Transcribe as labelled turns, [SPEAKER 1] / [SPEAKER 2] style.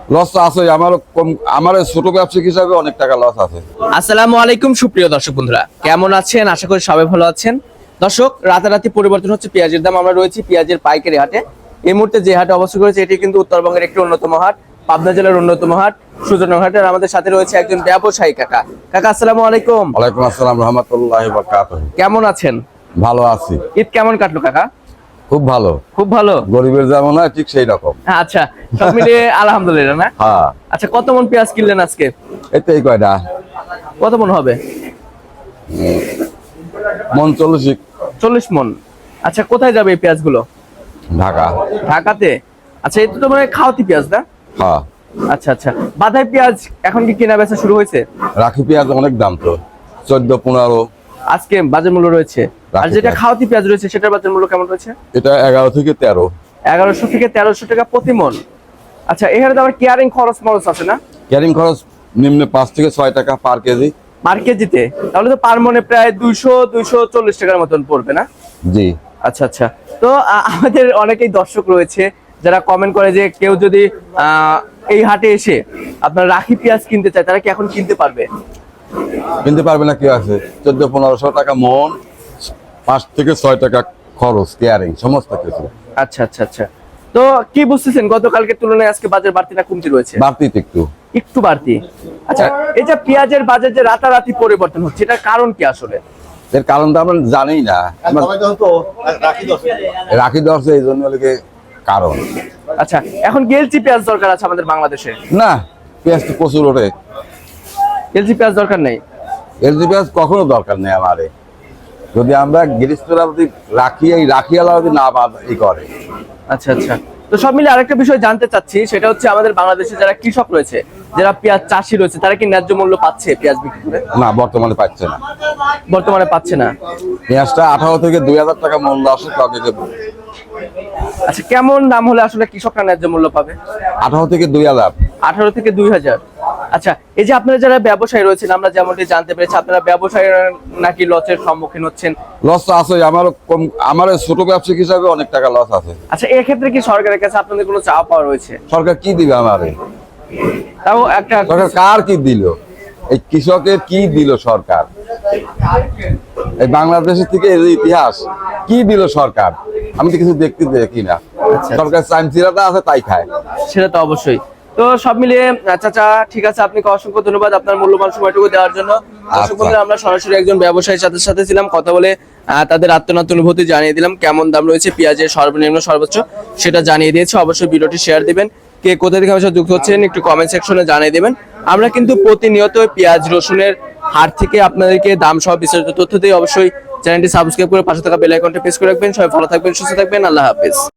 [SPEAKER 1] Loss আছে আমার ছোট ব্যবসায়িক হিসাবে অনেক টাকা লস আছে।
[SPEAKER 2] আসসালামু আলাইকুম সুপ্রিয় দর্শক বন্ধুরা, কেমন আছেন? আশা করি সবাই ভালো আছেন। দর্শক, রাতারাতি পরিবর্তন হচ্ছে পেঁয়াজের দাম। আমরা রয়েছি পেঁয়াজের পাইকারি হাটে। এই মুহূর্তে যে হাটে অবস্থান করেছে এটি কিন্তু উত্তরবঙ্গের একটি অন্যতম হাট, পাবনা জেলার অন্যতম হাট সুজনগর হাটের। আমাদের সাথে রয়েছে একজন ব্যবসায়ী কাকা। কাকা আসসালামু আলাইকুম।
[SPEAKER 1] ওয়ালাইকুম আসসালাম রাহমাতুল্লাহি ওয়া বারাকাতুহু।
[SPEAKER 2] কেমন আছেন?
[SPEAKER 1] ভালো আছি।
[SPEAKER 2] ঈদ কেমন কাটলো কাকা?
[SPEAKER 1] খুব ভালো।
[SPEAKER 2] খুব ভালো।
[SPEAKER 1] গরিবের যেমন হয় ঠিক সেই রকম।
[SPEAKER 2] আচ্ছা, সব মিলিয়ে আলহামদুলিল্লাহ না?
[SPEAKER 1] হ্যাঁ।
[SPEAKER 2] আচ্ছা, কত মন পেঁয়াজ কিনলেন আজকে?
[SPEAKER 1] এই কয়টা
[SPEAKER 2] কত মন হবে?
[SPEAKER 1] মন
[SPEAKER 2] 40 মন। আচ্ছা, কোথায় যাবে এই পেঁয়াজগুলো?
[SPEAKER 1] ঢাকা।
[SPEAKER 2] ঢাকাতে? আচ্ছা, এটা তো মানে খাওয়াতি পেঁয়াজ না?
[SPEAKER 1] হ্যাঁ।
[SPEAKER 2] আচ্ছা আচ্ছা, বাধাই পেঁয়াজ এখন কি কেনা বেচা শুরু হয়েছে?
[SPEAKER 1] রাখি পেঁয়াজ অনেক দাম তো, 14-15
[SPEAKER 2] আজকে বাজার মূল্য রয়েছে। আর
[SPEAKER 1] রাখি
[SPEAKER 2] যেটা
[SPEAKER 1] পেঁয়াজ।
[SPEAKER 2] খাওয়াতি পেঁয়াজ রয়েছে সেটার বাজার মূল্য কেমন রয়েছে?
[SPEAKER 1] এটা 11 থেকে 13।
[SPEAKER 2] 1100 থেকে 1300 টাকা প্রতি মন। আচ্ছা, এখানে তো আবার কেয়ারিং খরচ আছে না?
[SPEAKER 1] ক্যারিং খরচ নিম্নে 5 থেকে 6 টাকা পার কেজি।
[SPEAKER 2] পার কেজিতে? তাহলে তো পার মনে প্রায় 240 টাকার মতন পড়বে না?
[SPEAKER 1] জি।
[SPEAKER 2] আচ্ছা আচ্ছা। তো আমাদের অনেকেই দর্শক রয়েছে যারা কমেন্ট করে যে কেউ যদি এই হাটে এসে আপনার রাখি পেঁয়াজ কিনতে চায়, তারা কি এখন কিনতে পারবে?
[SPEAKER 1] কিনতে পারবে না, কি আছে? 1400-1500 টাকা মন, 5 থেকে 6 টাকা খরচ, ক্যারিং সমস্ত কিছু।
[SPEAKER 2] আচ্ছা আচ্ছা আচ্ছা। তো কি বুঝতেছেন গতকালকে তুলনায় আজকে বাজার বাড়তি না কমতি রয়েছে?
[SPEAKER 1] বাড়তি তো একটু।
[SPEAKER 2] একটু বাড়তি। আচ্ছা, এই যে পেঁয়াজের বাজার যে রাতারাতি পরিবর্তন হচ্ছে, এটার কারণ কি আসলে?
[SPEAKER 1] এর কারণ তো আমরা জানি না। রাখি দরছে এই জন্য লেগে কারণ।
[SPEAKER 2] আচ্ছা, এখন কি এলচি পেঁয়াজ দরকার আছে আমাদের বাংলাদেশে?
[SPEAKER 1] না, পেঁয়াজ তো প্রচুর ওঠে।
[SPEAKER 2] এলচি পেঁয়াজ দরকার নেই?
[SPEAKER 1] এলজি পেঁয়াজ কখনো দরকার নেই আমারে। যদি আমরা গৃহস্থরা যদি রাখিয়ালা যদি না করে।
[SPEAKER 2] আচ্ছা আচ্ছা। তো সব মিলে আরেকটা বিষয় জানতে চাচ্ছি, সেটা হচ্ছে আমাদের বাংলাদেশে যারা কৃষক রয়েছে, যারা পেঁয়াজ চাষি রয়েছে, তারা কি ন্যায্য মূল্য পাচ্ছে পেঁয়াজ বিক্রি করে?
[SPEAKER 1] না, বর্তমানে পাচ্ছে না।
[SPEAKER 2] বর্তমানে পাচ্ছে না।
[SPEAKER 1] পেঁয়াজটা 18 থেকে 2000 টাকা মূল্য আসে কাউকে।
[SPEAKER 2] আচ্ছা, কেমন দাম হলে আসলে কৃষকরা ন্যায্য মূল্য পাবে?
[SPEAKER 1] 18 থেকে 2000।
[SPEAKER 2] 18 থেকে 2000। আচ্ছা, এই যে আপনারা যারা ব্যবসায়ী রয়েছেন, আমরা যেমনটি জানতে পেরেছি আপনারা ব্যবসায়ী নাকি লসের সম্মুখীন হচ্ছেন।
[SPEAKER 1] লস তো আছে, আমার ছোট ব্যবসায়িক হিসাবে অনেক টাকা লস আছে।
[SPEAKER 2] আচ্ছা, এক্ষেত্রে কি সরকারের কাছে আপনাদের কোনো চাওয়া পাওয়া রয়েছে?
[SPEAKER 1] সরকার কি দিবে আমারে?
[SPEAKER 2] তাও একটা
[SPEAKER 1] সরকার কার কি দিল? এই কৃষকের কি দিল সরকার? এই বাংলাদেশের থেকে এই যে ইতিহাস কি দিল সরকার? আমি তো কিছু দেখি না। সরকার চামচিরাটা আছে তাই খায়।
[SPEAKER 2] সেটা তো অবশ্যই। তো সব মিলিয়ে চাচা, ঠিক আছে, আপনাকে অসংখ্য ধন্যবাদ আপনার মূল্যবান সময়টুকু দেওয়ার জন্য। দর্শক বন্ধুরা, আমরা সরাসরি একজন ব্যবসায়ীর সাথে ছিলাম, কথা বলে তাদের আত্মনাত অনুভূতি জানিয়ে দিলাম। কেমন দাম রয়েছে পেঁয়াজের সর্বনিম্ন সর্বোচ্চ সেটা জানিয়ে দিয়েছে। অবশ্যই ভিডিওটি শেয়ার দিবেন। কে কোথা থেকে আমার সাথে যুক্ত হচ্ছেন একটু কমেন্ট সেকশনে জানিয়ে দিবেন। আমরা কিন্তু প্রতিনিয়ত পেঁয়াজ রসুনের হাট থেকে আপনাদেরকে দাম সহ বিস্তারিত তথ্য দিয়ে অবশ্যই চ্যানেলটি সাবস্ক্রাইব করে পাশে থাকা বেল আইকনটা প্রেস করে রাখবেন। সবাই ভালো থাকবেন, সুস্থ থাকবেন। আল্লাহ হাফেজ।